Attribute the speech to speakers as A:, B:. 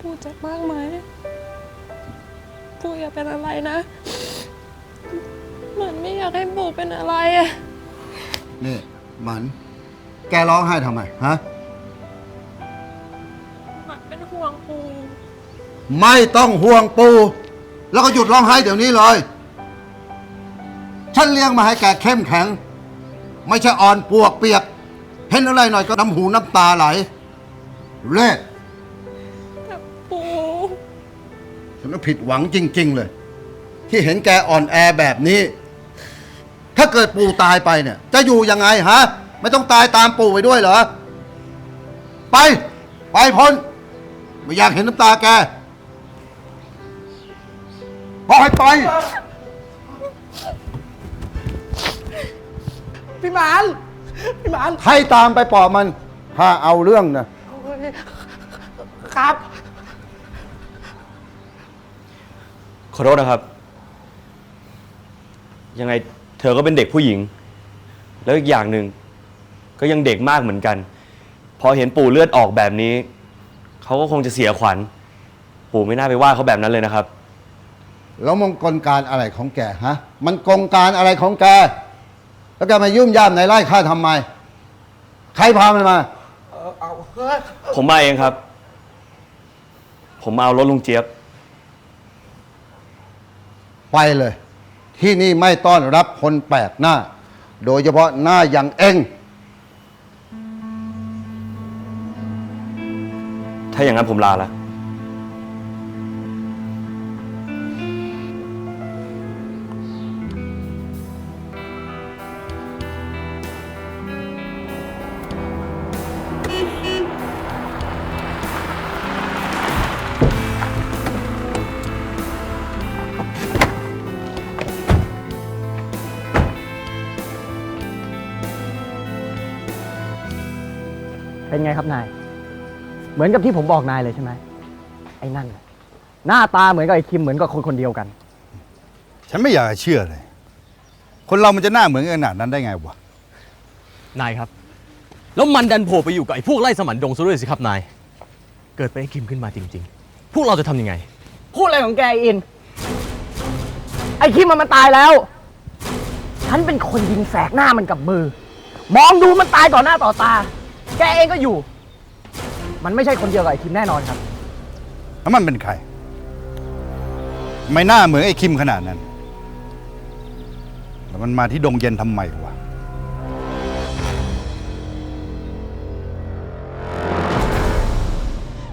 A: ปู่เจ็บมากไหมปู่อย่าเป็นอะไรนะเหมือนไม่อยากให้ปู่เป็นอะไรอะ
B: นี่หมันแกร้องไห้ทำไมฮะ
A: หมันเป็นห่วงปู่
B: ไม่ต้องห่วงปู่แล้วก็หยุดร้องไห้เดี๋ยวนี้เลยฉันเลี้ยงมาให้แกเข้มแข็งไม่ใช่อ่อนปวกเปียกเห็นอะไรหน่อยก็น้ำหูน้ำตาไหลเล่
A: แต่ปู่
B: ฉันก็ผิดหวังจริงๆเลยที่เห็นแกอ่อนแอแบบนี้ถ้าเกิดปู่ตายไปเนี่ยจะอยู่ยังไงฮะไม่ต้องตายตามปู่ไปด้วยเหรอไปพ้นไม่อยากเห็นน้ำตาแกบอกให้ไป
C: พี่หมาน
B: ให้ตามไปปอบมันถ้าเอาเรื่องนะครับ
D: ขอโทษนะครับ ยังไงเธอก็เป็นเด็กผู้หญิง แล้วอีกอย่างหนึ่งก็ยังเด็กมากเหมือนกันพอเห็นปู่เลือดออกแบบนี้เขาก็คงจะเสียขวัญปู่ไม่น่าไปว่าเขาแบบนั้นเลยนะครับ
B: แล้วมงกลการอะไรของแกฮะมันกลการอะไรของแกแล้วแกมายุ่มย่ามในไร่ข้าทำไมใครพามันมา
D: ผมมาเองครับผมมาเอารถลุงเจี๊ยบ
B: ไปเลยที่นี่ไม่ต้อนรับคนแปลกหน้าโดยเฉพาะหน้าอย่างเอง
D: ถ้าอย่างนั้นผมลาแล้ว
C: เป็นไงครับนายเหมือนกับที่ผมบอกนายเลยใช่ไหมไอ้นั่นหน้าตาเหมือนกับไอ้คิมเหมือนกับคนคนเดียวกัน
E: ฉันไม่อยากจะเชื่อเลยคนเรามันจะหน้าเหมือนกันขนาดนั้นได้ไงวะ
F: นายครับแล้วมันดันโผล่ไปอยู่กับไอ้พวกไล่สมันดงซะด้วยสิครับนายเกิดไปไอ้คิมขึ้นมาจริงๆพวกเราจะทำยังไง
C: พูดอะไรของแกอินไอ้คิมมันตายแล้วฉันเป็นคนยิงแสกหน้ามันกับมือมองดูมันตายต่อหน้าต่อตาแกเองก็อยู่มันไม่ใช่คนเดียวกับไอ้คิมแน่นอนครับ
E: แล้วมันเป็นใครไม่น่าเหมือนไอ้คิมขนาดนั้นแล้วมันมาที่ดงเย็นทำไมวะ